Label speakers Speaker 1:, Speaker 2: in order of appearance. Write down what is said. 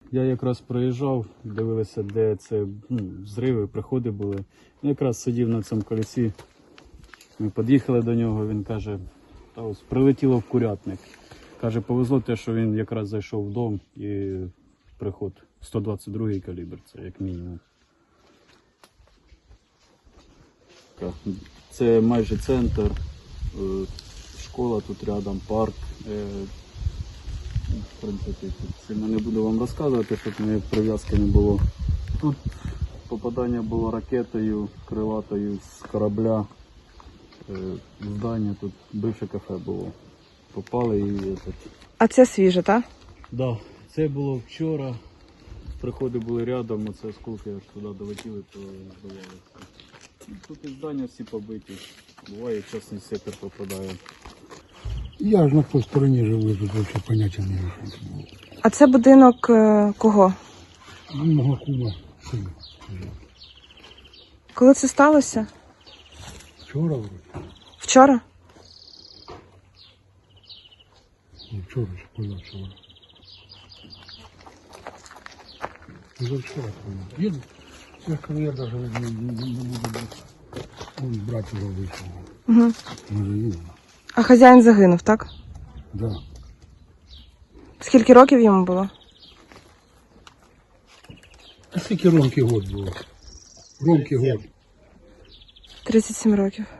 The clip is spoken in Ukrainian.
Speaker 1: я якраз проїжджав, дивилися, де це взриви, приходи були. Якраз сидів на цьому колесі. Ми під'їхали до нього, він каже, та ось прилетіло в курятник. Каже, повезло те, що він якраз зайшов в дом і приход 122-й калібр, це як мінімум. Це майже центр, школа тут рядом, парк. В принципі, сильно не буду вам розказувати, щоб не прив'язки не було. Тут попадання було ракетою, крилатою з корабля. Здання, тут бивше кафе було. Попали і...
Speaker 2: А це свіже, так?
Speaker 1: Да, це було вчора. Приходи були рядом, оце осколки аж туди долетіли, то здавалося. Тут і здання всі побиті. Буває, частний сектор попадає.
Speaker 3: Я ж на той стороні живу, тут взагалі поняття не маю.
Speaker 2: А це будинок кого?
Speaker 3: Мого кума сина.
Speaker 2: Коли це сталося?
Speaker 3: Вчора вроді.
Speaker 2: Вчора?
Speaker 3: Не вчора, чи позавчора. Позавчора, по-моєму. Їду. Я ж кажу, я навіть не буду брати. Он брат його вийшов.
Speaker 2: Угу.
Speaker 3: Може їду.
Speaker 2: А хазяїн загинув, так?
Speaker 3: Да.
Speaker 2: Скільки років йому було?
Speaker 3: А скільки Ромки год було? Ромки год.
Speaker 2: 37 років.